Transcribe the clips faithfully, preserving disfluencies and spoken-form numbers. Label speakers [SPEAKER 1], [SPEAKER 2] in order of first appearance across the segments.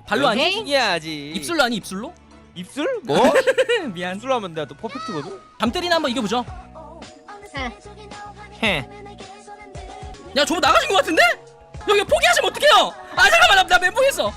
[SPEAKER 1] 발로 아니?
[SPEAKER 2] 이해야지.
[SPEAKER 1] 입술로 아니 입술로?
[SPEAKER 2] 입술? 뭐?
[SPEAKER 1] 미안.
[SPEAKER 2] 입술로 하면 내가 또 퍼펙트거든.
[SPEAKER 1] 잠들이나 한번 이겨보죠.
[SPEAKER 2] 헤.
[SPEAKER 1] 야 저거 나가신 것 같은데? 여기 포기하시면 어떡해요? 아 잠깐만 나, 나 멘붕했어.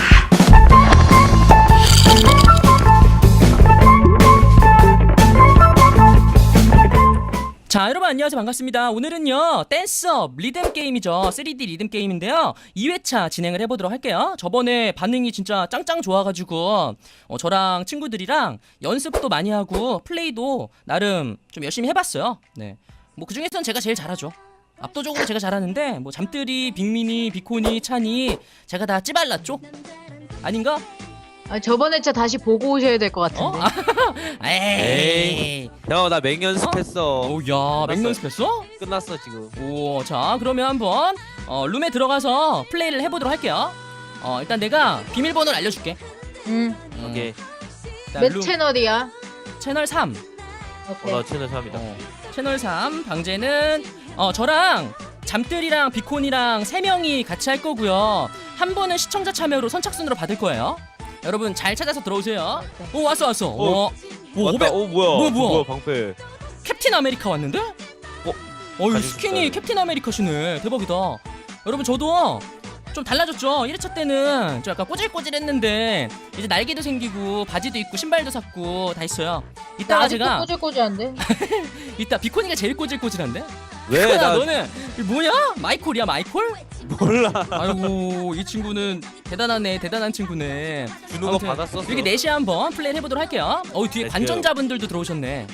[SPEAKER 1] 자 여러분 안녕하세요 반갑습니다. 오늘은요 댄스업 리듬 게임이죠. 쓰리디 리듬 게임인데요 이 회차 진행을 해보도록 할게요. 저번에 반응이 진짜 짱짱 좋아가지고 어, 저랑 친구들이랑 연습도 많이 하고 플레이도 나름 좀 열심히 해봤어요. 네, 뭐 그중에서는 제가 제일 잘하죠. 압도적으로 제가 잘하는데 뭐 잠들이, 빅민이, 비코니, 찬이 제가 다 찌발랐죠? 아닌가?
[SPEAKER 3] 아, 저번 회차 다시 보고 오셔야 될 것
[SPEAKER 1] 어?
[SPEAKER 3] 같은데.
[SPEAKER 1] 아, 에이.
[SPEAKER 2] 형 나 맹연습했어.
[SPEAKER 1] 오야 맹연습했어?
[SPEAKER 2] 끝났어 지금.
[SPEAKER 1] 오, 자 그러면 한번 어, rum에 들어가서 플레이를 해보도록 할게요. 어, 일단 내가 비밀번호를 알려줄게.
[SPEAKER 3] 응.
[SPEAKER 1] 음,
[SPEAKER 2] 오케이.
[SPEAKER 1] 일단
[SPEAKER 3] 몇
[SPEAKER 1] 룸-
[SPEAKER 3] 채널이야?
[SPEAKER 1] 채널 삼.
[SPEAKER 3] 오케이.
[SPEAKER 2] 어, 나 채널 삼이다.
[SPEAKER 1] 어, 채널 삼 방제는 어, 저랑 잠들이랑 비콘이랑 세 명이 같이 할 거고요. 한 번은 시청자 참여로 선착순으로 받을 거예요. 여러분 잘 찾아서 들어오세요. 오 왔어 왔어. 오, 오
[SPEAKER 2] 왔다.
[SPEAKER 1] 오백.
[SPEAKER 2] 오 뭐야?
[SPEAKER 1] 뭐야, 뭐야?
[SPEAKER 2] 뭐야 방패.
[SPEAKER 1] 캡틴 아메리카 왔는데? 어, 어, 이
[SPEAKER 2] 가지고
[SPEAKER 1] 스킨이
[SPEAKER 2] 싶다.
[SPEAKER 1] 캡틴 아메리카시네. 대박이다. 여러분 저도 좀 달라졌죠. 일 회차 때는 좀 약간 꼬질꼬질했는데 이제 날개도 생기고 바지도 입고 신발도 샀고 다 있어요. 이따가
[SPEAKER 3] 아직도
[SPEAKER 1] 제가
[SPEAKER 3] 꼬질꼬질한데?
[SPEAKER 1] 이따 비코니가 제일 꼬질꼬질한데?
[SPEAKER 2] 왜?
[SPEAKER 1] 비코나
[SPEAKER 2] 나
[SPEAKER 1] 너는 이거 뭐냐? 마이콜이야 마이콜?
[SPEAKER 2] 몰라.
[SPEAKER 1] 아이고 이 친구는 대단하네 대단한 친구네.
[SPEAKER 2] 주는 거
[SPEAKER 1] 아무튼
[SPEAKER 2] 받았었어.
[SPEAKER 1] 이렇게 넷이 한번 플레이 해보도록 할게요. 어 뒤에
[SPEAKER 2] 넷이요.
[SPEAKER 1] 관전자분들도 들어오셨네.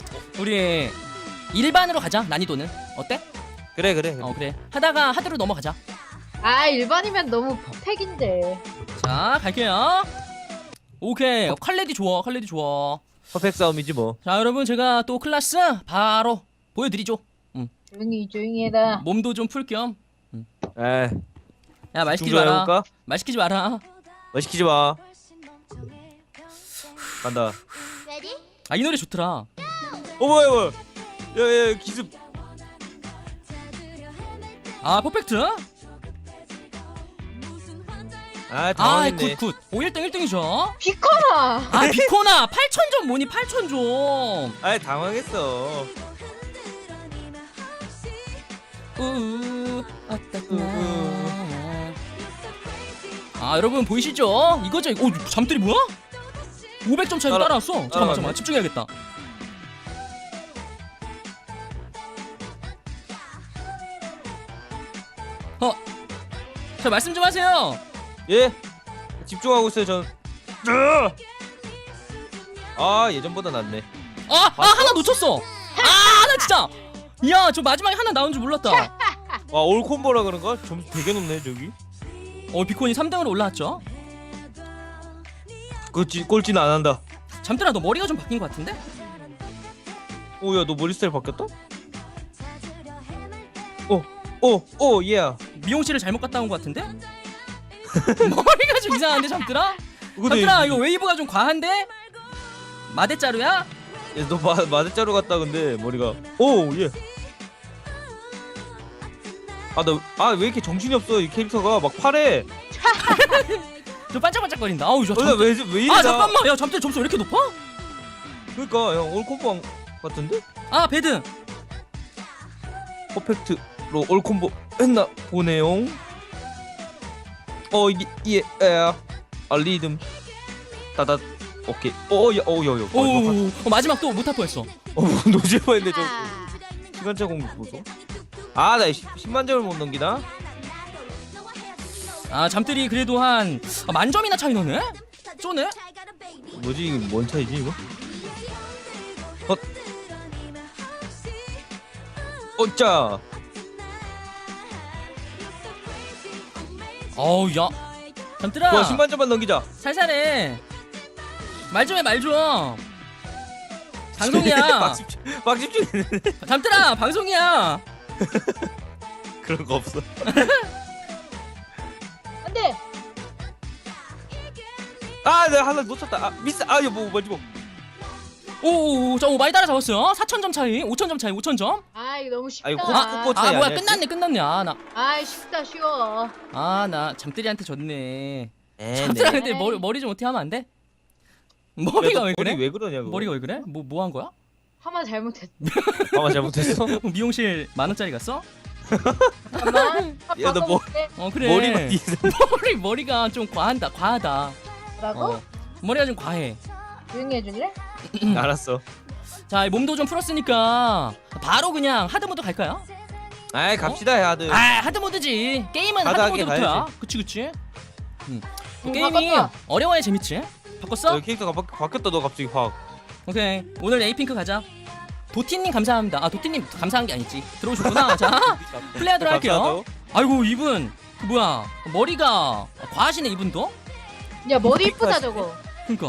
[SPEAKER 1] 우리 일반으로 가자. 난이도는 어때?
[SPEAKER 2] 그래 그래.
[SPEAKER 1] 어 그래 하다가 하드로 넘어가자.
[SPEAKER 3] 아, 일반이면 너무 퍼펙인데.
[SPEAKER 1] 자 갈게요. 오케이 어, 칼레디 좋아 칼레디 좋아.
[SPEAKER 2] 퍼펙트 싸움이지 뭐.
[SPEAKER 1] 자 여러분 제가 또 클래스 바로 보여드리죠.
[SPEAKER 3] 조용히 조용히 해라.
[SPEAKER 1] 몸도 좀 풀 겸.
[SPEAKER 2] 에.
[SPEAKER 1] 야 말 시키지
[SPEAKER 2] 중조
[SPEAKER 1] 마라.
[SPEAKER 2] 해볼까?
[SPEAKER 1] 말 시키지 마라.
[SPEAKER 2] 뭐 시키지 마. 간다.
[SPEAKER 1] 아 이 노래 좋더라.
[SPEAKER 2] 어 뭐야 뭐야. 야야 기습.
[SPEAKER 1] 아 퍼펙트.
[SPEAKER 2] 아
[SPEAKER 1] 아
[SPEAKER 2] 당황했네.
[SPEAKER 1] 굿굿. 오 일 등 일 등이죠.
[SPEAKER 3] 비커라.
[SPEAKER 1] 아 비코나 팔천 점 뭐니 팔천 점.
[SPEAKER 2] 아 당황했어.
[SPEAKER 1] 우우 아따구나. 아 여러분 보이시죠? 이거죠. 오 잠들이 뭐야? 오백 점 차이로
[SPEAKER 2] 따라-
[SPEAKER 1] 따라왔어. 잠깐만
[SPEAKER 2] 따라왔네.
[SPEAKER 1] 잠깐만 집중해야겠다. 어, 자 말씀 좀 하세요.
[SPEAKER 2] 예. 집중하고 있어요 전. 아 예전보다 낫네.
[SPEAKER 1] 아, 아
[SPEAKER 2] 봤어?
[SPEAKER 1] 하나 놓쳤어. 아 하나 진짜. 야 저 마지막에 하나 나온 줄 몰랐다.
[SPEAKER 2] 와 올콤보라 그런가? 점수 되게 높네 저기.
[SPEAKER 1] 어 비콘이 삼 등으로 올라왔죠.
[SPEAKER 2] 그렇지 꼴찌는 안 한다.
[SPEAKER 1] 잠들아 너 머리가 좀 바뀐 것 같은데?
[SPEAKER 2] 오야 너 머리 스타일 바뀌었다? 오오오 예.
[SPEAKER 1] 미용실을 잘못 갔다 온 것 같은데? 머리가 좀 이상한데 잠들아? 잠들아 이거 웨이브가 좀 과한데? 마대자루야?
[SPEAKER 2] 너 마, 마대자루 같다 근데 머리가 오 예. 아 나 아 왜 이렇게 정신이 없어 이 캐릭터가 막 파래.
[SPEAKER 1] 저 반짝반짝거린다. 아우 저
[SPEAKER 2] 어, 나
[SPEAKER 1] 잠들.
[SPEAKER 2] 왜, 왜 이래
[SPEAKER 1] 아
[SPEAKER 2] 나.
[SPEAKER 1] 잠깐만 야 잠들 점수 왜 이렇게 높아?
[SPEAKER 2] 그러니까 형 올콤보 같은데?
[SPEAKER 1] 아 배드.
[SPEAKER 2] 퍼펙트로 올콤보 했나 보네요. 어 이게 예 에. 아 리듬 따다 오케이 어야어야야
[SPEAKER 1] 오 어, 마지막 또 못할 뻔했어.
[SPEAKER 2] 어 노질 뻔했네 저 시간차 공격 보소. 아나 십만 점을 못 넘기나?
[SPEAKER 1] 아 잠들이 그래도 한 아, 만점이나 차이 나네? 쪼네?
[SPEAKER 2] 뭐지 이거 뭔 차이지 이거? 어 어짜
[SPEAKER 1] 어우 야 잠들아
[SPEAKER 2] 와 십만 점만 넘기자.
[SPEAKER 1] 살살해. 말 좀 해 말 좀. 방송이야.
[SPEAKER 2] 막 집중 막 집중했는데
[SPEAKER 1] 잠들아 방송이야.
[SPEAKER 2] 그런 거 없어.
[SPEAKER 3] 안돼.
[SPEAKER 2] 아 내가 하나 놓쳤다. 아 미스 아유 뭐 뭐지 뭐.
[SPEAKER 1] 오오오 자 오, 많이 따라잡았어요. 사천 점 차이 오천 점 차이 오천 점.
[SPEAKER 3] 아, 이거 너무 쉽다.
[SPEAKER 2] 아이고, 코-
[SPEAKER 1] 아,
[SPEAKER 2] 코-
[SPEAKER 1] 아
[SPEAKER 2] 차이
[SPEAKER 1] 뭐야
[SPEAKER 2] 아니야,
[SPEAKER 1] 끝났네 끝났네. 아 나
[SPEAKER 3] 아, 쉽다 쉬워.
[SPEAKER 1] 아 나 잠들이한테 졌네. 잠들아
[SPEAKER 2] 네.
[SPEAKER 1] 근데 머리 머리 좀 어떻게 하면 안 돼? 머리가 왜 그래?
[SPEAKER 2] 머리 왜 그러냐고.
[SPEAKER 1] 머리가 왜 그래? 뭐 뭐 한 거야?
[SPEAKER 3] 하마 잘못했어.
[SPEAKER 2] 아마 잘못했어.
[SPEAKER 1] 미용실 만 원짜리 갔어?
[SPEAKER 3] 잠깐만.
[SPEAKER 2] 야, 너 뭐-
[SPEAKER 1] 어 그래.
[SPEAKER 2] 머리만 뒤에서.
[SPEAKER 1] 머리 머리가 좀 과한다 과하다.
[SPEAKER 3] 뭐라고?
[SPEAKER 1] 어 머리가 좀 과해.
[SPEAKER 3] 조용히 해줄래?
[SPEAKER 2] 알았어.
[SPEAKER 1] 자 몸도 좀 풀었으니까 바로 그냥 하드 모드 갈까요?
[SPEAKER 2] 아이 갑시다 야들.
[SPEAKER 1] 아 하드 모드지. 게임은 하드
[SPEAKER 2] 하드하게
[SPEAKER 1] 모드부터야.
[SPEAKER 2] 가야지.
[SPEAKER 1] 그치 그치. 음.
[SPEAKER 3] 응,
[SPEAKER 1] 게임이
[SPEAKER 3] 바꿨어.
[SPEAKER 1] 어려워야 재밌지. 바꿨어?
[SPEAKER 2] 너 캐릭터가 바, 바뀌었다 너 갑자기 확.
[SPEAKER 1] 오케이 오늘 에이핑크 가자. 도티님 감사합니다. 아 도티님 감사한 게 아니지. 들어오셨구나. 자 플레이하도록 할게요. 아이고 이분 그 뭐야 머리가 과하시네 이분도.
[SPEAKER 3] 야 머리 이쁘다 저거.
[SPEAKER 1] 그니까.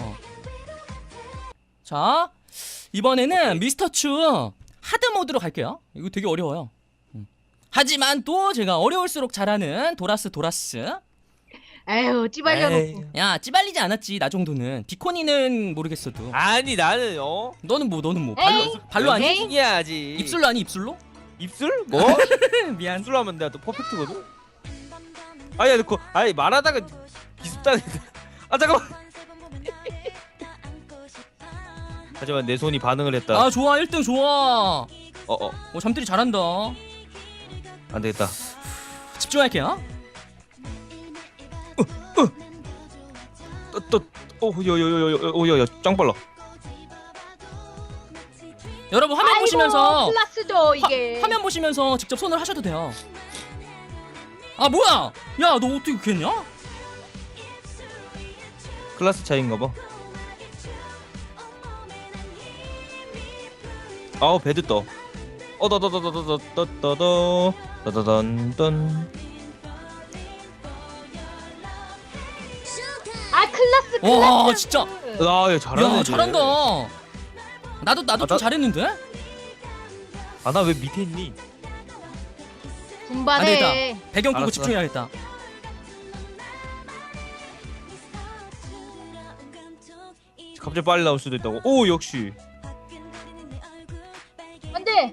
[SPEAKER 1] 자 이번에는 미스터 추 하드 모드로 갈게요. 이거 되게 어려워요. 음. 하지만 또 제가 어려울수록 잘하는 도라스 도라스.
[SPEAKER 3] 에휴 찌발려놓고.
[SPEAKER 2] 에이.
[SPEAKER 1] 야 찌발리지 않았지 나 정도는. 비코니는 모르겠어도.
[SPEAKER 2] 아니 나는 어
[SPEAKER 1] 너는 뭐 너는 뭐
[SPEAKER 3] 에이.
[SPEAKER 1] 발로 발로 아니?
[SPEAKER 3] 에이.
[SPEAKER 2] 이야지.
[SPEAKER 1] 입술로 아니 입술로?
[SPEAKER 2] 입술? 뭐?
[SPEAKER 1] 미안.
[SPEAKER 2] 입술로 하면 내가 또 퍼펙트거든. 아야 너 아니 말하다가 기습당했다. 아 잠깐만. 하지만 내 손이 반응을 했다.
[SPEAKER 1] 아 좋아 일 등 좋아.
[SPEAKER 2] 어어
[SPEAKER 1] 어 잠들이 잘한다.
[SPEAKER 2] 안 되겠다.
[SPEAKER 1] 집중할게요.
[SPEAKER 2] 또또오여여여여여여 짱 빨라.
[SPEAKER 1] 여러분 화면
[SPEAKER 3] 아이고,
[SPEAKER 1] 보시면서
[SPEAKER 3] 클라스죠 이게.
[SPEAKER 1] 화, 면 보시면서 직접 손을 하셔도 돼요. 아 뭐야? 야 너 어떻게 그렇게 했냐?
[SPEAKER 2] 클래스 차이인가 봐. 아우 배드 떠. 어더더더더더더더더 더더던던.
[SPEAKER 3] 아 클라스 클라스.
[SPEAKER 1] 와 진짜.
[SPEAKER 2] 아야 잘하네.
[SPEAKER 1] 야 잘한다. 나도 나도
[SPEAKER 2] 아,
[SPEAKER 1] 좀
[SPEAKER 2] 나-
[SPEAKER 1] 잘했는데?
[SPEAKER 2] 아나 왜 밑에 있니?
[SPEAKER 3] 분발해.
[SPEAKER 1] 안 되겠다. 배경 끄고
[SPEAKER 2] 알았어.
[SPEAKER 1] 집중해야겠다.
[SPEAKER 2] 갑자기 빨리 나올 수도 있다고. 오 역시.
[SPEAKER 3] 안돼.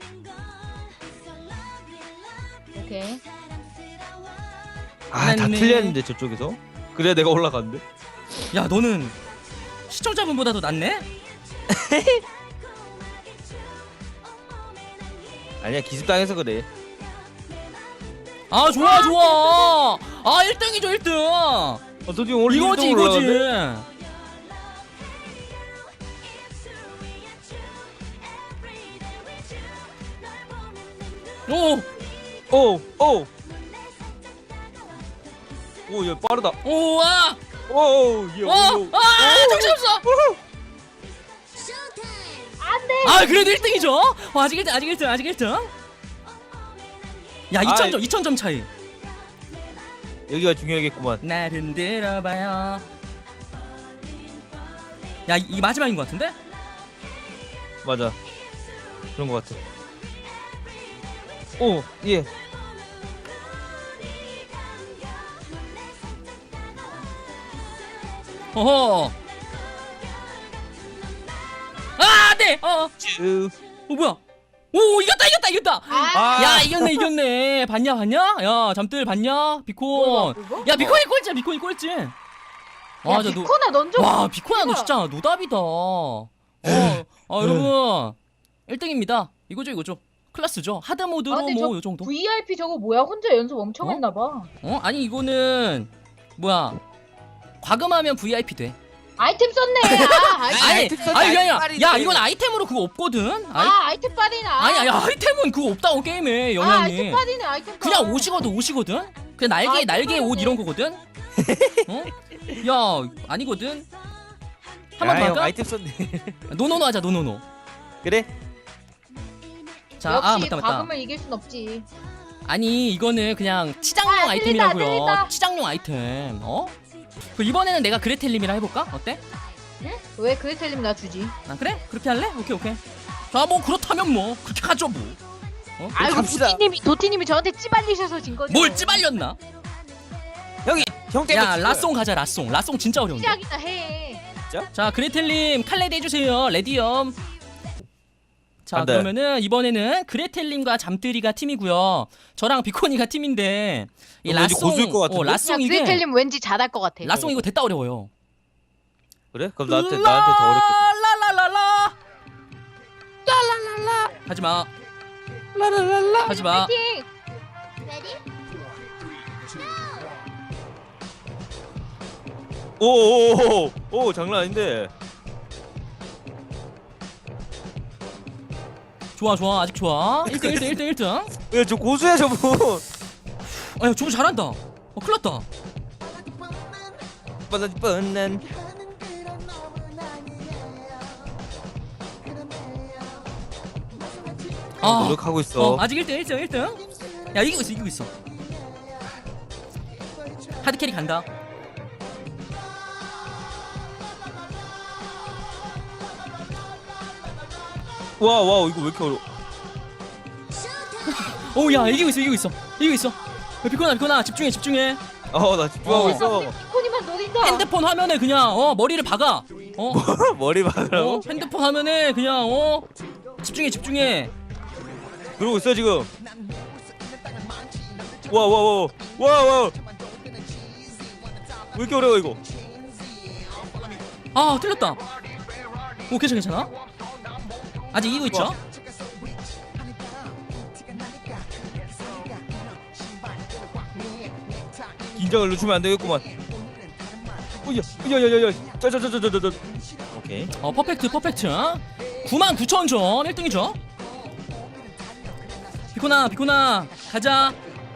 [SPEAKER 3] 오케이.
[SPEAKER 2] 아 다
[SPEAKER 1] 잘했네.
[SPEAKER 2] 틀렸는데 저쪽에서. 그래 내가 올라갔는데.
[SPEAKER 1] 야 너는 시청자분보다도 낫네?
[SPEAKER 2] 아니야 기습당해서 그래.
[SPEAKER 1] 아 좋아 좋아. 아 일 등이죠 일 등.
[SPEAKER 2] 아 도대체 오늘
[SPEAKER 1] 이거지
[SPEAKER 2] 일 등으로
[SPEAKER 1] 이거지.
[SPEAKER 2] 올라갔네?
[SPEAKER 1] 오.
[SPEAKER 2] 오 오. 오야 빠르다.
[SPEAKER 1] 오와.
[SPEAKER 2] 오예.
[SPEAKER 1] 와. 아 정신없어.
[SPEAKER 3] 안돼.
[SPEAKER 1] 아 그래도 일 등이죠. 와, 아직 일 등 아직 일 등 아직 일 등. 야 이천 점 이천 점 차이.
[SPEAKER 2] 여기가 중요하겠구만.
[SPEAKER 1] 날 흔들어봐요. 야 이, 이 마지막인 것 같은데?
[SPEAKER 2] 맞아. 그런 것 같아. 오 예.
[SPEAKER 1] 어허. 아 네. 어.
[SPEAKER 2] 쭉.
[SPEAKER 1] 어 뭐야? 오 이겼다 이겼다 이겼다.
[SPEAKER 3] 아.
[SPEAKER 2] 아.
[SPEAKER 1] 야 이겼네 이겼네. 봤냐 봤냐? 야 잠들 봤냐? 비콘.
[SPEAKER 3] 뭐야, 그거?
[SPEAKER 1] 야 비콘이 꼴찌야 비콘이 꼴찌.
[SPEAKER 3] 야
[SPEAKER 1] 아, 저 노-
[SPEAKER 3] 비코나 넌 좀.
[SPEAKER 1] 와 비코야 너 진짜 노답이다. 어, 아 여러분 일 등입니다. 이거죠 이거죠. 클래스죠. 하드 모드로
[SPEAKER 3] 아, 근데
[SPEAKER 1] 뭐
[SPEAKER 3] 저
[SPEAKER 1] 요 정도.
[SPEAKER 3] 브이아이피 저거 뭐야? 혼자 연습 엄청
[SPEAKER 1] 어?
[SPEAKER 3] 했나 봐.
[SPEAKER 1] 어 아니 이거는 뭐야? 과금하면 브이아이피 돼.
[SPEAKER 3] 아이템 썼네. 아, 아이템.
[SPEAKER 1] 아니
[SPEAKER 2] 아이템 써도
[SPEAKER 1] 아니 그게 아니라
[SPEAKER 2] 아이템
[SPEAKER 1] 야
[SPEAKER 2] 빨리
[SPEAKER 1] 이건 아이템으로 그거 없거든. 아이,
[SPEAKER 3] 아 아이템 빨이나.
[SPEAKER 1] 아니 아니 아이템은 그거 없다고 게임에
[SPEAKER 3] 아 아이템
[SPEAKER 1] 영향이.
[SPEAKER 3] 빨이네 아이템.
[SPEAKER 1] 그냥
[SPEAKER 3] 빨.
[SPEAKER 1] 옷이거든 옷이거든. 그냥 날개
[SPEAKER 3] 아이템
[SPEAKER 1] 날개 옷
[SPEAKER 3] 빨이네.
[SPEAKER 1] 이런 거거든. 어? 야 아니거든. 한 번 더
[SPEAKER 2] 형
[SPEAKER 1] 할까?
[SPEAKER 2] 아이템 썼네.
[SPEAKER 1] 노노노 하자 노노노.
[SPEAKER 2] 그래?
[SPEAKER 1] 자,
[SPEAKER 3] 역시
[SPEAKER 1] 아 맞다 맞다.
[SPEAKER 3] 과금을 이길 순 없지.
[SPEAKER 1] 아니 이거는 그냥 치장용
[SPEAKER 3] 아,
[SPEAKER 1] 아이템이라고요.
[SPEAKER 3] 들린다, 들린다.
[SPEAKER 1] 치장용 아이템. 어? 그 이번에는 내가 그레텔님이랑 해볼까? 어때?
[SPEAKER 3] 응? 왜 그레텔님 나 주지?
[SPEAKER 1] 아 그래? 그렇게 할래? 오케이 오케이. 자 뭐 그렇다면 뭐 그렇게 하죠 뭐. 어?
[SPEAKER 3] 아이고
[SPEAKER 2] 갑시다.
[SPEAKER 3] 도티님이 도티님이 저한테 찌발리셔서 진 거죠.
[SPEAKER 1] 뭘 찌발렸나?
[SPEAKER 2] 형이 형 때문에.
[SPEAKER 1] 야
[SPEAKER 2] 진 거야.
[SPEAKER 1] 라송 가자 라송. 라송 진짜 어려운데.
[SPEAKER 3] 시작이나 해.
[SPEAKER 1] 자 그레텔님 칼레드 해주세요. 레디엄. 자
[SPEAKER 2] 안 돼.
[SPEAKER 1] 그러면은 이번에는 그레텔님과 잠들이가 팀이고요. 저랑 비코니가 팀인데 이
[SPEAKER 2] 어, 왠지
[SPEAKER 1] 라송
[SPEAKER 2] 고수일 것 같은데?
[SPEAKER 1] 어,
[SPEAKER 3] 야,
[SPEAKER 1] 라송 이게
[SPEAKER 3] 그레텔님 왠지 잘할 것 같아.
[SPEAKER 1] 라송 이거 됐다 어려워요.
[SPEAKER 2] 그래? 그럼 나한테 나한테 더 어렵겠다.
[SPEAKER 1] 라라라라 라라라라 하지마
[SPEAKER 2] 라라라라.
[SPEAKER 1] 하지마.
[SPEAKER 3] 파이팅!
[SPEAKER 2] 오오오 오 장난 아닌데.
[SPEAKER 1] 좋아 좋아 아직 좋아. 일 등 일 등 일 등 일 등.
[SPEAKER 2] 야 저 고수야 저분.
[SPEAKER 1] 아야 저거 잘한다. 어 큰일났다.
[SPEAKER 2] 뻔한 뻔한.
[SPEAKER 1] 아
[SPEAKER 2] 노력하고 있어.
[SPEAKER 1] 어, 아직 일 등 일 등 일 등. 야 이기고 있어 이기고 있어. 하드 캐리 간다.
[SPEAKER 2] 와 와 이거 왜 이렇게 어려?
[SPEAKER 1] 오야 이기고 있어 이기고 있어 이기고 있어. 야, 비코나 비코나 집중해 집중해.
[SPEAKER 2] 어나 집중하고
[SPEAKER 1] 어.
[SPEAKER 2] 있어.
[SPEAKER 3] 피코니만 노린다.
[SPEAKER 1] 핸드폰 화면에 그냥 어 머리를 박아. 어,
[SPEAKER 2] 머리
[SPEAKER 1] 어
[SPEAKER 2] 박으라고?
[SPEAKER 1] 핸드폰 화면에 그냥 어 집중해 집중해.
[SPEAKER 2] 그러고 있어 지금. 와 와 와 와 와. 왜 이렇게 어려워 이거?
[SPEAKER 1] 아 틀렸다. 오 괜찮아 괜찮아. 아직 이기고 있죠?
[SPEAKER 2] 와. 긴장을 늦추면 안 되겠구만. 오야 야야야야. 짜자자자자자. 오케이.
[SPEAKER 1] 어 퍼펙트 퍼펙트. 구만 구천 점 일 등이죠. 비코나 비코나 가자.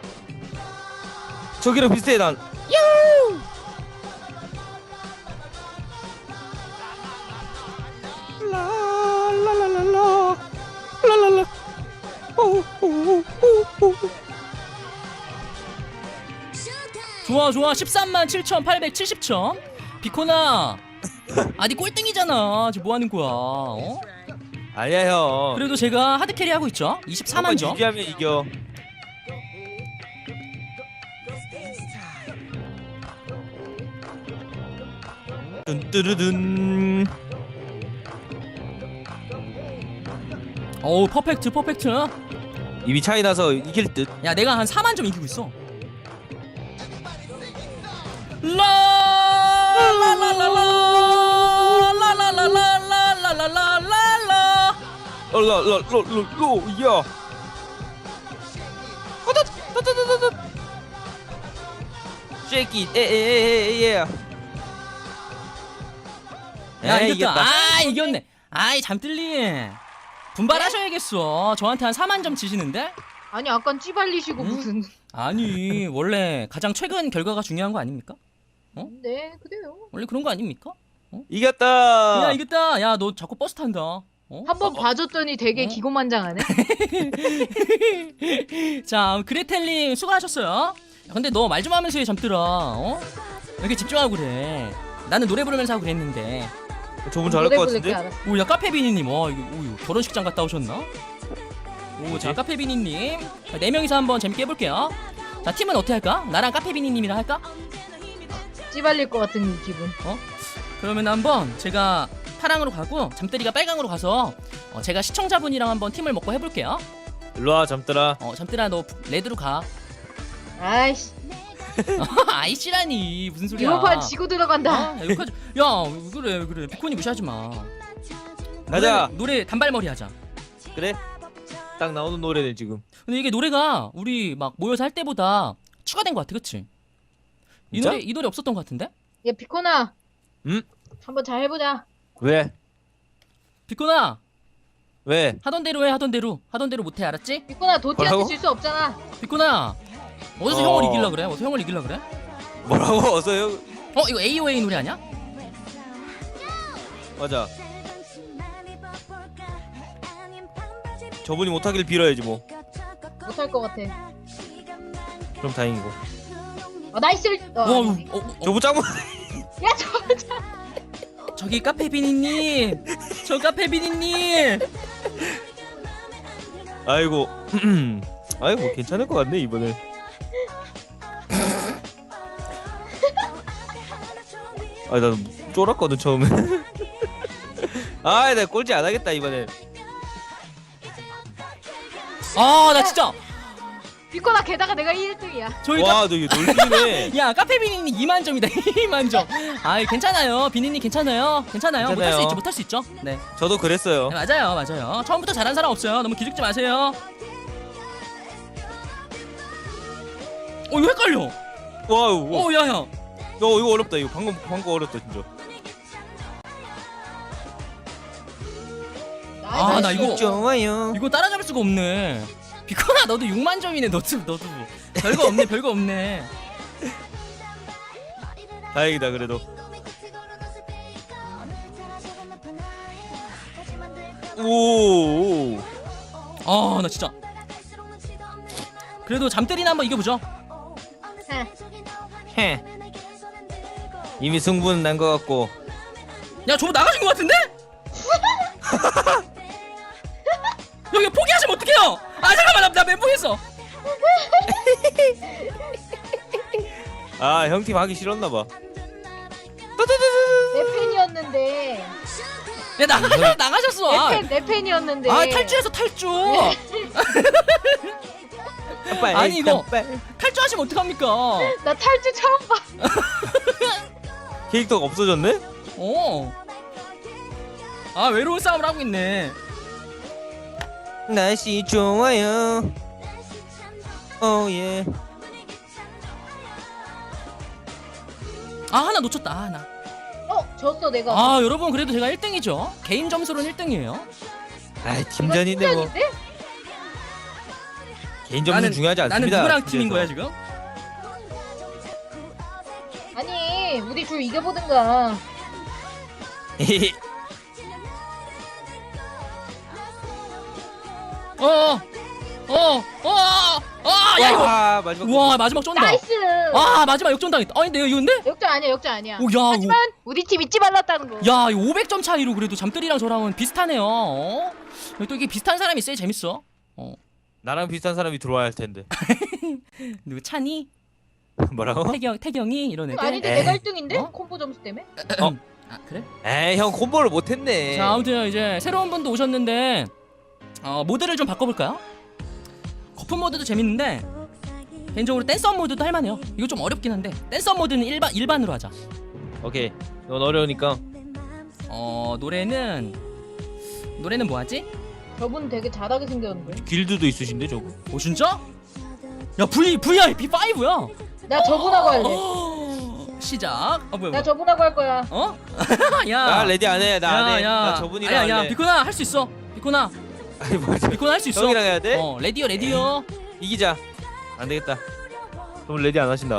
[SPEAKER 2] 저기랑 비슷해 난. 라라라라라 라라라. 오오오오.
[SPEAKER 1] 좋아 좋아 십삼만 칠천팔백칠십 점. 비코나 아니 꼴등이잖아. 지금 뭐 하는 거야? 어?
[SPEAKER 2] 아니야 형.
[SPEAKER 1] 그래도 제가 하드 캐리 하고 있죠. 이십사만 점.
[SPEAKER 2] 이기하면 이겨. 뚠뚜르든.
[SPEAKER 1] 어우 퍼펙트 퍼펙트.
[SPEAKER 2] 이미 차이 나서 이길 듯.
[SPEAKER 1] 야 내가 한 사만 점 이기고 있어. 라라라라라라라라라라라라라라.
[SPEAKER 2] 얼라라라라로 야. 쉐이키 에에에에에.
[SPEAKER 1] 야 이겼다. 아 이겼네. 아이 잠들리. 분발하셔야겠어. 저한테 한 사만 점 지시는데?
[SPEAKER 3] 아니 아깐 찌발리시고
[SPEAKER 1] 응?
[SPEAKER 3] 무슨.
[SPEAKER 1] 아니 원래 가장 최근 결과가 중요한 거 아닙니까?
[SPEAKER 3] 네 그래요.
[SPEAKER 1] 원래 그런 거 아닙니까?
[SPEAKER 2] 이겼다.
[SPEAKER 1] 야 이겼다. 야 너 자꾸 버스 탄다. 어?
[SPEAKER 3] 한 번 봐줬더니 되게
[SPEAKER 1] 어?
[SPEAKER 3] 기고만장하네.
[SPEAKER 1] 자 그레텔님 수고하셨어요. 야, 근데 너 말 좀 하면서 해 잠들아. 어? 왜 이렇게 집중하고 그래? 나는 노래 부르면서 하고 그랬는데.
[SPEAKER 2] 저분 잘할 것 같은데?
[SPEAKER 1] 오야 카페비니님, 와 이거 오, 이거 결혼식장 갔다 오셨나? 오 자 카페비니님 네 명이서 한번 재밌게 해볼게요. 자 팀은 어떻게 할까? 나랑 카페비니님이랑 할까?
[SPEAKER 3] 찌발릴 것 같은 기분.
[SPEAKER 1] 어? 그러면 한번 제가 파랑으로 가고 잠들이가 빨강으로 가서 어, 제가 시청자분이랑 한번 팀을 먹고 해볼게요.
[SPEAKER 2] 일로와 잠들아.
[SPEAKER 1] 어 잠들아 너 레드로 가.
[SPEAKER 3] 아이씨
[SPEAKER 1] 아이씨라니 무슨 소리야?
[SPEAKER 3] 이번 판 지고 들어간다.
[SPEAKER 1] 아, 야, 욕하지. 야 왜 그래 왜 그래 비코니 무시하지 마.
[SPEAKER 2] 가자.
[SPEAKER 1] 노래, 노래 단발머리 하자.
[SPEAKER 2] 그래? 딱 나오는 노래네 지금.
[SPEAKER 1] 근데 이게 노래가 우리 막 모여서 할 때보다 추가된 것 같아, 그치? 이
[SPEAKER 2] 진짜?
[SPEAKER 1] 노래 이 노래 없었던 것 같은데?
[SPEAKER 3] 야 비코나.
[SPEAKER 2] 응?
[SPEAKER 3] 한번 잘 해보자.
[SPEAKER 2] 왜?
[SPEAKER 1] 비코나
[SPEAKER 2] 왜?
[SPEAKER 1] 하던 대로 해 하던 대로 하던 대로 못해 알았지?
[SPEAKER 3] 비코나 도티한테
[SPEAKER 2] 뭐라고?
[SPEAKER 3] 질 수 없잖아.
[SPEAKER 1] 비코나 어디서
[SPEAKER 2] 어.
[SPEAKER 1] 형을 이길라 그래? 어디서 형을 이길라 그래?
[SPEAKER 2] 뭐라고 어서요?
[SPEAKER 1] 어 이거 에이오에이 노래 아니야?
[SPEAKER 2] 맞아. 저분이 못하길 빌어야지 뭐.
[SPEAKER 3] 못할 것 같아.
[SPEAKER 2] 그럼 다행이고.
[SPEAKER 3] 어 나이스. 어,
[SPEAKER 1] 어,
[SPEAKER 3] 아니네.
[SPEAKER 1] 어, 어,
[SPEAKER 2] 저분 짱.
[SPEAKER 3] 야 저.
[SPEAKER 1] 저기 카페비니님 저 카페비니님
[SPEAKER 2] 아이고. 아이고 뭐 괜찮을 것 같네 이번에. 아 나 쫄았거든 처음에. 아 나 꼴찌 안 하겠다 이번에.
[SPEAKER 1] 아 나 진짜
[SPEAKER 3] 비코나 게다가 내가 일 등이야.
[SPEAKER 1] 저희 카...
[SPEAKER 2] 와 너 이거 놀리네.
[SPEAKER 1] 야 카페 비니님 이만 점이다. 이만 점. 아이 괜찮아요. 비니님 괜찮아요. 괜찮아요. 못할 수
[SPEAKER 2] 괜찮아요.
[SPEAKER 1] 있죠. 못할 수 있죠. 네.
[SPEAKER 2] 저도 그랬어요.
[SPEAKER 1] 네 맞아요. 맞아요. 처음부터 잘한 사람 없어요. 너무 기죽지 마세요. 어 이거 헷갈려.
[SPEAKER 2] 와우. 어,
[SPEAKER 1] 어 야야.
[SPEAKER 2] 어, 이거 어렵다. 이거 방금 방금 어렵다 진짜.
[SPEAKER 1] 아, 나 이거-
[SPEAKER 2] 좋아요.
[SPEAKER 1] 이거 따라잡을 수가 없네. 비코나 너도 육만 점이네. 너도 너도 별거 없네. 별거 없네.
[SPEAKER 2] 다행이다 그래도. 오.
[SPEAKER 1] 아 나 진짜. 그래도 잠들이나 한번 이겨보죠.
[SPEAKER 2] 헤. 이미 승부는 난 것 같고.
[SPEAKER 1] 야 저거 나가신 것 같은데? 여기 포기하시면 어떡해요? 아 잠깐만 나, 나 멘붕했어.
[SPEAKER 2] 아 형 팀 하기 싫었나 봐.
[SPEAKER 3] 내 팬이었는데.
[SPEAKER 1] 야 나가 나가셨어.
[SPEAKER 3] 내
[SPEAKER 1] 아,
[SPEAKER 3] 팬, 내 팬이었는데.
[SPEAKER 1] 아 탈주해서 탈주. 아니, 이거- 탈주하시면 어떡합니까?
[SPEAKER 3] 나 탈주 처음 봐.
[SPEAKER 2] 캐릭터가 없어졌네?
[SPEAKER 1] 어. 아 외로운 싸움을 하고 있네.
[SPEAKER 2] 날씨 좋아요. 오예.
[SPEAKER 1] 아 하나 놓쳤다. 아, 하나.
[SPEAKER 3] 어, 졌어 내가.
[SPEAKER 1] 아 여러분 그래도 제가 일 등이죠. 개인 점수로는 일 등이에요.
[SPEAKER 2] 아 팀전인데 뭐.
[SPEAKER 3] 팀전인데?
[SPEAKER 2] 개인 점수는 중요하지
[SPEAKER 1] 나는
[SPEAKER 2] 않습니다.
[SPEAKER 1] 누구랑 팀인 거야 지금?
[SPEAKER 3] 아니, 우리 둘 이겨보든가.
[SPEAKER 1] 어. 어. 어. 아, 야 이거.
[SPEAKER 2] 와 마지막.
[SPEAKER 1] 와 마지막 쫀다.
[SPEAKER 3] 나이스.
[SPEAKER 1] 아 마지막 역전당했다. 아니 근데 이거 근데?
[SPEAKER 3] 역전 아니야, 역전 아니야.
[SPEAKER 1] 오, 야,
[SPEAKER 3] 하지만 우리 팀 잊지 말랐다는 거.
[SPEAKER 1] 야 이거 오백 점 차이로 그래도 잠들이랑 저랑은 비슷하네요. 어? 또 이게 비슷한 사람이 있어야 재밌어. 어.
[SPEAKER 2] 나랑 비슷한 사람이 들어와야 할 텐데.
[SPEAKER 1] 누구 찬이?
[SPEAKER 2] 뭐라고?
[SPEAKER 1] 태경 태경이 이런 애들.
[SPEAKER 3] 아닌데
[SPEAKER 2] 에이.
[SPEAKER 3] 내가 일 등인데?
[SPEAKER 1] 어?
[SPEAKER 3] 콤보 점수 때문에?
[SPEAKER 1] 아 그래?
[SPEAKER 2] 에이 형 콤보를 못했네.
[SPEAKER 1] 자 아무튼 이제 새로운 분도 오셨는데 어, 모드를 좀 바꿔볼까요? 거품 모드도 재밌는데 개인적으로 댄서 모드도 할만해요. 이거 좀 어렵긴 한데 댄서 모드는 일반 일반으로 하자.
[SPEAKER 2] 오케이. 넌 어려우니까.
[SPEAKER 1] 어 노래는 노래는 뭐 하지?
[SPEAKER 3] 저분 되게 잘하게 생겼는데.
[SPEAKER 2] 길드도 있으신데 저거.
[SPEAKER 1] 오 진짜? 야 V 브이아이피 오야.
[SPEAKER 3] 나 저분하고 할래.
[SPEAKER 1] 어, 시작. 아 뭐야?
[SPEAKER 3] 나
[SPEAKER 1] 뭐야.
[SPEAKER 3] 저분하고 할 거야.
[SPEAKER 1] 어? 야.
[SPEAKER 2] 나 레디 안 해. 나 안 해.
[SPEAKER 1] 야, 야.
[SPEAKER 2] 나 저분이랑
[SPEAKER 1] 아니야, 야,
[SPEAKER 2] 할래.
[SPEAKER 1] 비코나 할 수 있어. 비코나,
[SPEAKER 2] 아니 맞아.
[SPEAKER 1] 비코나 할 수 있어.
[SPEAKER 2] 형이랑 해야 돼?
[SPEAKER 1] 어, 레디오, 레디오.
[SPEAKER 2] 이기자. 안 되겠다. 그럼 레디 안 하신다.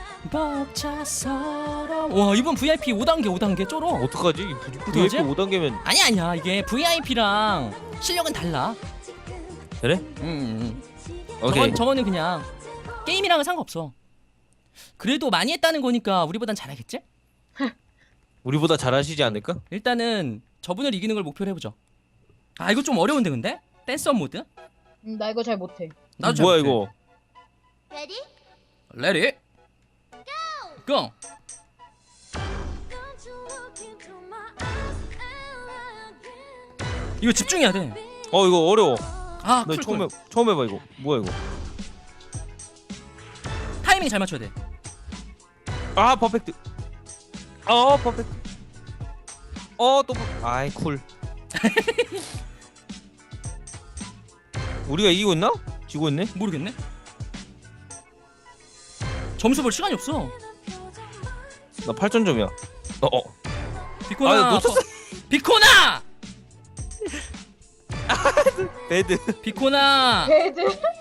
[SPEAKER 1] 벅차서러. 와, 이번 브이아이피 오 단계, 오 단계 쩔어.
[SPEAKER 2] 어떡하지?
[SPEAKER 1] 어떡하지?
[SPEAKER 2] 브이아이피 오 단계면
[SPEAKER 1] 아니 아니야, 이게 브이아이피랑 실력은 달라.
[SPEAKER 2] 그래?
[SPEAKER 1] 음, 음.
[SPEAKER 2] 오케이.
[SPEAKER 1] 저건, 저거는 그냥 게임이랑은 상관없어. 그래도 많이 했다는 거니까 우리보단 잘하겠지?
[SPEAKER 2] 우리보다 잘하시지 않을까?
[SPEAKER 1] 일단은 저분을 이기는 걸 목표로 해보죠. 아, 이거 좀 어려운데 근데? 댄서 모드?
[SPEAKER 3] 음, 나 이거 잘 못해.
[SPEAKER 1] 나도
[SPEAKER 2] 뭐야
[SPEAKER 1] 잘 못해.
[SPEAKER 2] 이거?
[SPEAKER 1] 레디 고! 이거 집중해야 돼.
[SPEAKER 2] 어 이거 어려워.
[SPEAKER 1] 아,
[SPEAKER 2] 너
[SPEAKER 1] 쿨,
[SPEAKER 2] 처음
[SPEAKER 1] 쿨.
[SPEAKER 2] 해 처음 해봐 이거. 뭐야 이거?
[SPEAKER 1] 타이밍 잘 맞춰야 돼.
[SPEAKER 2] 아 퍼펙트. 어 퍼펙트. 어또 아이 쿨. 우리가 이기고 있나? 지고 있네?
[SPEAKER 1] 모르겠네. 점수 볼 시간이 없어.
[SPEAKER 2] 나 팔 점 점이야. 어 어.
[SPEAKER 1] 비코나.
[SPEAKER 2] 아, 놓쳤어.
[SPEAKER 1] 거- 비코나.
[SPEAKER 2] 배드.
[SPEAKER 1] 비코나.
[SPEAKER 3] 배드.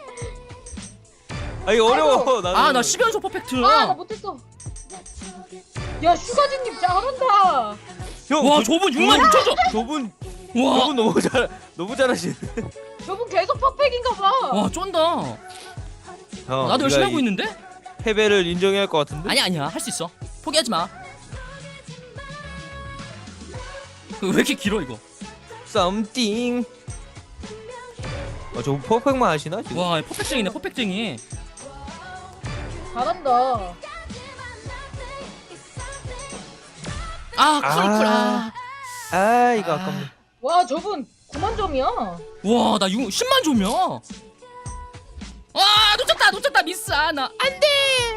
[SPEAKER 2] 아 이거 어려워. 나는.
[SPEAKER 1] 아, 나 십 연속 퍼펙트.
[SPEAKER 3] 아, 나 못했어. 야, 슈가진님 잘한다.
[SPEAKER 2] 형.
[SPEAKER 1] 와,
[SPEAKER 2] 저-
[SPEAKER 1] 저분 육만 육천 점.
[SPEAKER 2] 저분
[SPEAKER 1] 와.
[SPEAKER 2] 저분 너무 잘 너무 잘하시네.
[SPEAKER 3] 저분 계속 퍼펙인가 봐.
[SPEAKER 1] 와, 쫀다.
[SPEAKER 2] 형,
[SPEAKER 1] 나도 열심히
[SPEAKER 2] 우리가
[SPEAKER 1] 하고
[SPEAKER 2] 이
[SPEAKER 1] 있는데?
[SPEAKER 2] 패배를 인정해야 할 것 같은데?
[SPEAKER 1] 아니야, 아니야. 할 수 있어. 포기하지 마. 그 왜 이렇게 길어 이거?
[SPEAKER 2] 썸띵. 아, 저 퍼펙트만 하시나 지금?
[SPEAKER 1] 와, 퍼펙트쟁이네, 퍼펙트쟁이.
[SPEAKER 3] 잘한다.
[SPEAKER 1] 아, 쿨, 쿨. 아.
[SPEAKER 2] 아 이거
[SPEAKER 1] 아.
[SPEAKER 2] 아깝네.
[SPEAKER 3] 와, 저분 구만 점이야.
[SPEAKER 1] 와, 나 육, 십만 점이야. 아 놓쳤다 놓쳤다 미스 하나 안돼.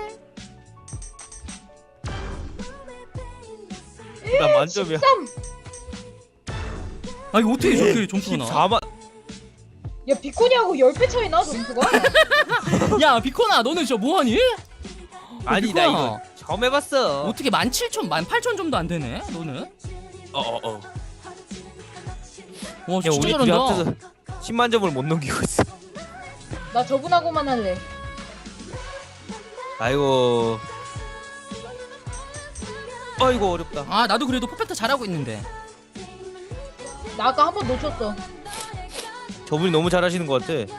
[SPEAKER 2] 나 만점이야.
[SPEAKER 3] 십삼.
[SPEAKER 1] 아 이거 어떻게 저렇게 점수가 나와?
[SPEAKER 2] 십사만.
[SPEAKER 3] 야 비코니하고 십 배 차이 나 점수가.
[SPEAKER 1] 야 비코나 너는 진짜 뭐하니?
[SPEAKER 2] 아니 나 이거 처음 해봤어.
[SPEAKER 1] 어떻게 만 칠천 만 팔천 점도 안 되네 너는?
[SPEAKER 2] 어어 어.
[SPEAKER 1] 와
[SPEAKER 2] 야
[SPEAKER 1] 진짜
[SPEAKER 2] 우리 둘이
[SPEAKER 1] 잘한다.
[SPEAKER 2] 합쳐서 십만 점을 못 넘기고 있어.
[SPEAKER 3] 나 저분하고만 할래.
[SPEAKER 2] 아이고. 아이고 어렵다.
[SPEAKER 1] 아 나도 그래도 퍼펙트 잘하고 있는데.
[SPEAKER 3] 나 아까 한 번 놓쳤어.
[SPEAKER 2] 저분이 너무 잘하시는 것 같아.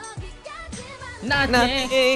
[SPEAKER 1] 나한테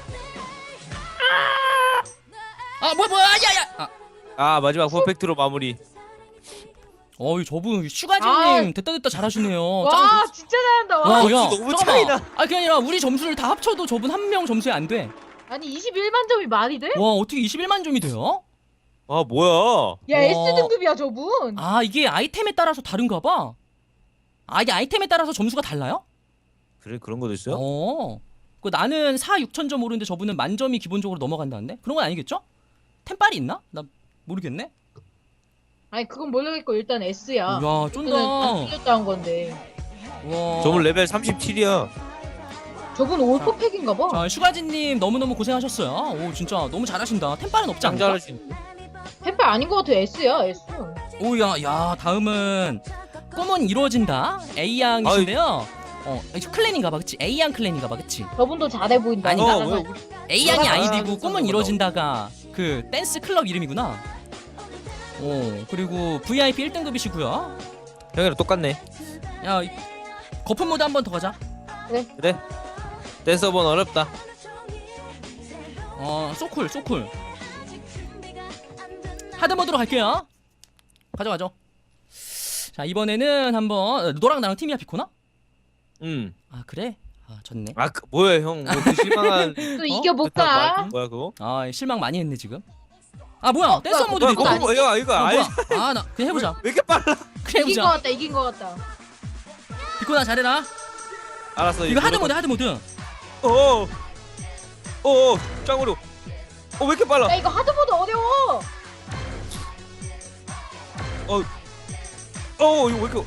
[SPEAKER 1] 아 뭐야 뭐야 야야. 아.
[SPEAKER 2] 아 마지막 퍼펙트로 마무리.
[SPEAKER 1] 어이 저분 슈가진님
[SPEAKER 3] 아.
[SPEAKER 1] 됐다 됐다 잘하시네요.
[SPEAKER 3] 와 진짜 잘한다. 와.
[SPEAKER 1] 와, 야,
[SPEAKER 2] 점수 너무
[SPEAKER 1] 잠깐만.
[SPEAKER 2] 차이나.
[SPEAKER 1] 아 그게 아니라 우리 점수를 다 합쳐도 저분 한 명 점수에 안 돼.
[SPEAKER 3] 아니 이십일만 점이 말이 돼?
[SPEAKER 1] 와 어떻게 이십일만 점이 돼요?
[SPEAKER 2] 아 뭐야?
[SPEAKER 3] 야
[SPEAKER 1] 와.
[SPEAKER 3] S 등급이야 저분.
[SPEAKER 1] 아 이게 아이템에 따라서 다른가 봐. 아 이게 아이템에 따라서 점수가 달라요?
[SPEAKER 2] 그래 그런 것도 있어요?
[SPEAKER 1] 어. 그 나는 사, 육천 점 오르는데 저분은 만점이 기본적으로 넘어간다는데? 그런 건 아니겠죠? 템빨이 있나? 나 모르겠네.
[SPEAKER 3] 아니 그건 모르겠고 일단 S야.
[SPEAKER 1] 야
[SPEAKER 3] 그거는
[SPEAKER 1] 쫀다.
[SPEAKER 3] 틀렸다 한 건데.
[SPEAKER 1] 와.
[SPEAKER 2] 저분 레벨 삼십칠이야.
[SPEAKER 3] 저분 올퍼팩인가 봐.
[SPEAKER 1] 자 슈가진님 너무너무 고생하셨어요. 오 진짜 너무 잘하신다. 템빨은 없지
[SPEAKER 2] 짱
[SPEAKER 1] 않나?
[SPEAKER 2] 잘하시네.
[SPEAKER 3] 템빨 아닌 것 같아. S야 S.
[SPEAKER 1] 오야 야 다음은 꿈은 이루어진다. A 양이신데요. 어 이거 클랜인가봐 그치? A 양 클랜인가봐 그치?
[SPEAKER 3] 저분도 잘해 보인다.
[SPEAKER 1] 아니,
[SPEAKER 2] 어,
[SPEAKER 1] 나는
[SPEAKER 2] 왜
[SPEAKER 3] 나가서.
[SPEAKER 2] 우리
[SPEAKER 1] A 양이
[SPEAKER 2] 아,
[SPEAKER 1] 아이디고
[SPEAKER 2] 그래서
[SPEAKER 1] 꿈은
[SPEAKER 2] 그런가
[SPEAKER 1] 이루어진다가 그 댄스 클럽 이름이구나. 오 그리고 브이아이피 일 등급이시고요.
[SPEAKER 2] 형이랑 똑같네.
[SPEAKER 1] 야 이- 거품 모드 한 번 더 가자.
[SPEAKER 2] 그래. 댄서번 어렵다.
[SPEAKER 1] 어 소쿨 소쿨. 하드 모드로 갈게요. 가져 가져. 자 이번에는 한번 너랑 나랑 팀이야 비코나?
[SPEAKER 2] 응.
[SPEAKER 1] 아 그래? 아 졌네.
[SPEAKER 2] 아 그, 뭐야 형? 뭐그 실망한
[SPEAKER 3] 또
[SPEAKER 1] 어?
[SPEAKER 3] 이겨볼까?
[SPEAKER 2] 뭐야 그거?
[SPEAKER 1] 아 실망 많이 했네 지금. 아 뭐야
[SPEAKER 3] 어,
[SPEAKER 1] 댄서
[SPEAKER 3] 뭐야,
[SPEAKER 1] 모드도
[SPEAKER 2] 뭐야
[SPEAKER 1] 있다.
[SPEAKER 2] 그거
[SPEAKER 3] 아니지?
[SPEAKER 2] 뭐야 이거
[SPEAKER 1] 어,
[SPEAKER 2] 알?
[SPEAKER 1] 뭐야? 아 나 그냥 해보자.
[SPEAKER 2] 왜 이렇게 빨라?
[SPEAKER 1] 그냥
[SPEAKER 3] 이긴 것
[SPEAKER 1] 해보자.
[SPEAKER 3] 같다. 이긴 것 같다.
[SPEAKER 1] 비코나 잘해라.
[SPEAKER 2] 알았어.
[SPEAKER 1] 이거 하드 모드 하드 모드.
[SPEAKER 2] 어. 어. 짱으로. 어왜 이렇게 빨라?
[SPEAKER 3] 야 이거 하드보드 어려워.
[SPEAKER 2] 어 이거 왜 이렇게?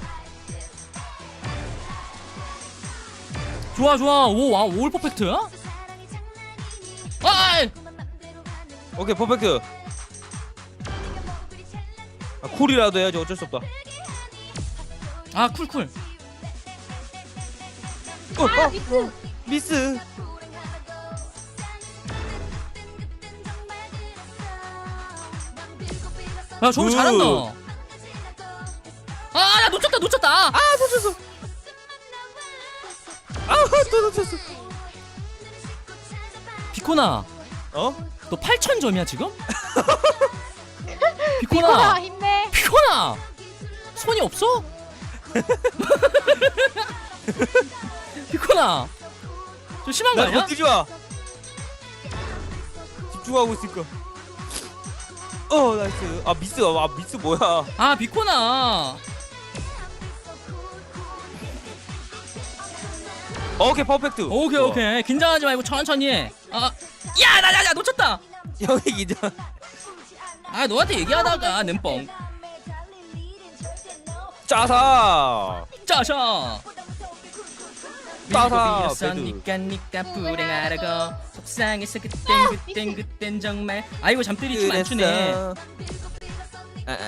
[SPEAKER 1] 좋아 좋아 오와 올 퍼펙트. 아 아이.
[SPEAKER 2] 오케이 퍼펙트. 아, 쿨이라도 해야지 어쩔 수 없다.
[SPEAKER 1] 아 쿨쿨.
[SPEAKER 2] 어,
[SPEAKER 3] 아
[SPEAKER 2] 어,
[SPEAKER 3] 미스.
[SPEAKER 2] 미스.
[SPEAKER 1] 야 저거
[SPEAKER 2] 굿.
[SPEAKER 1] 잘한다. 아야 놓쳤다 놓쳤다. 아,
[SPEAKER 2] 아 놓쳤어. 아또 놓쳤어.
[SPEAKER 1] 비코나
[SPEAKER 2] 어?
[SPEAKER 1] 너 팔천 점이야 지금?
[SPEAKER 3] 비코나
[SPEAKER 1] 비코나
[SPEAKER 3] 힘내.
[SPEAKER 1] 비코나 손이 없어? 비코나 좀 심한 거
[SPEAKER 2] 나
[SPEAKER 1] 아니야?
[SPEAKER 2] 건드리지 마. 집중하고 있을까? 어 나이스. 아 미스. 아 미스 뭐야?
[SPEAKER 1] 아 비코나
[SPEAKER 2] 어, 오케이 퍼펙트.
[SPEAKER 1] 오케이
[SPEAKER 2] 어.
[SPEAKER 1] 오케이 긴장하지 말고 천천히 해. 아야나야야 놓쳤다.
[SPEAKER 2] 형이 기자.
[SPEAKER 1] 아 너한테 얘기하다가 냄뻥
[SPEAKER 2] 짜사.
[SPEAKER 1] 짜샤
[SPEAKER 2] 짜사.
[SPEAKER 1] 니까 니까 불행하라고 속상해서 그땐 그땐 그땐 정말 아이고 잠들이 춤 안 추네.
[SPEAKER 2] 아, 아.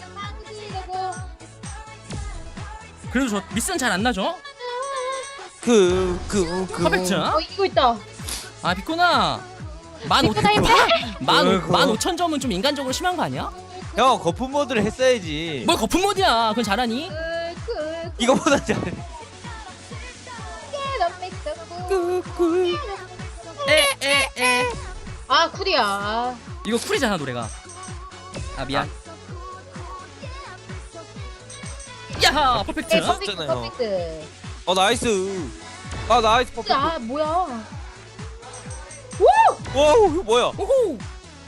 [SPEAKER 1] 그래도 저 미스는 잘 안 나죠?
[SPEAKER 2] 그, 그, 그.
[SPEAKER 1] 퍼펙트.
[SPEAKER 3] 어 이기고 있다.
[SPEAKER 1] 아 비코나 만 오,
[SPEAKER 3] 비코나 힘내.
[SPEAKER 1] 만 오,
[SPEAKER 2] 어이구.
[SPEAKER 1] 만 오천 점은 좀 인간적으로 심한 거 아니야?
[SPEAKER 2] 형 거품 모드를 했어야지.
[SPEAKER 1] 뭘 거품 모드야? 그건 잘하니?
[SPEAKER 3] 그,
[SPEAKER 2] 이거보다 잘해. 꿀꿀.
[SPEAKER 1] 에에에
[SPEAKER 3] 아 쿨이야.
[SPEAKER 1] 이거 쿨이잖아 노래가. 아 미안. 야하 퍼펙트.
[SPEAKER 3] 네, 퍼펙트
[SPEAKER 2] 했잖아요.
[SPEAKER 3] 퍼펙트.
[SPEAKER 2] 어 나이스. 아 나이스 퍼펙트.
[SPEAKER 3] 아 뭐야?
[SPEAKER 2] 와 이거 뭐야?
[SPEAKER 1] 오호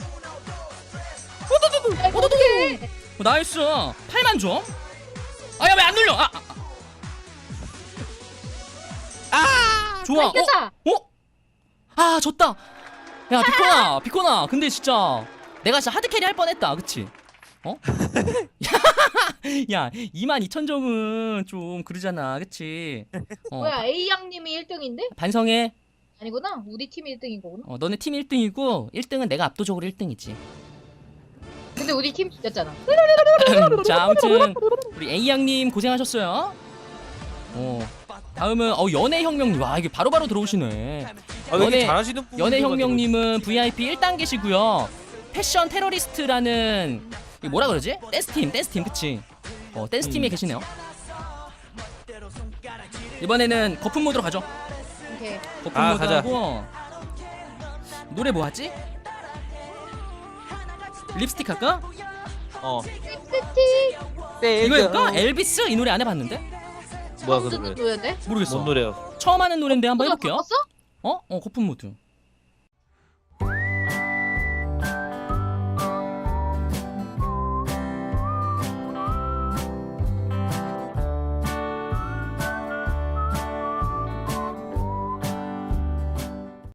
[SPEAKER 3] 야, 이거 어떡해?
[SPEAKER 1] 어, 나이스 팔만 점. 아야 왜 안 눌려? 아, 아, 아.
[SPEAKER 2] 아.
[SPEAKER 1] 좋아. 어?
[SPEAKER 3] 이겼다.
[SPEAKER 1] 어? 아 졌다. 야 비코나 비코나 근데 진짜 내가 진짜 하드캐리 할 뻔했다 그치? 어? 야 이만 이천 점은 좀 그러잖아 그치? 어,
[SPEAKER 3] 뭐야 A 양님이 일 등인데?
[SPEAKER 1] 반성해.
[SPEAKER 3] 아니구나. 우리 팀이 일 등인 거구나.
[SPEAKER 1] 어, 너네 팀 일 등이고 일 등은 내가 압도적으로 일 등이지.
[SPEAKER 3] 근데 우리 팀 이겼잖아.
[SPEAKER 1] 자 아무튼 우리 A 양님 고생하셨어요. 어 다음은 어 연애혁명님. 와 이게 바로바로 들어오시네.
[SPEAKER 2] 아, 왜 이렇게
[SPEAKER 1] 연애-
[SPEAKER 2] 잘하시는 분?
[SPEAKER 1] 연애혁명님은 브이아이피 일 단계시고요. 패션 테러리스트라는 이게 뭐라 그러지? 댄스팀 댄스팀 그치? 어 댄스팀에
[SPEAKER 2] 음.
[SPEAKER 1] 계시네요. 이번에는 거품 모드로 가죠.
[SPEAKER 3] 오케이.
[SPEAKER 1] 거품
[SPEAKER 2] 아,
[SPEAKER 1] 모드
[SPEAKER 2] 가자.
[SPEAKER 1] 하고 노래 뭐 하지? 립스틱 할까?
[SPEAKER 2] 어.
[SPEAKER 3] 립스틱.
[SPEAKER 1] 이거 할까? 엘비스? 이 노래 안 해봤는데?
[SPEAKER 2] 뭐야 그
[SPEAKER 3] 처음 듣는
[SPEAKER 2] 노래?
[SPEAKER 3] 노래인데?
[SPEAKER 1] 모르겠어.
[SPEAKER 2] 뭔 노래요?
[SPEAKER 1] 처음 하는 노래인데 한번
[SPEAKER 3] 어,
[SPEAKER 1] 해볼게요.
[SPEAKER 3] 바꿨어?
[SPEAKER 1] 어? 어 거품 모드.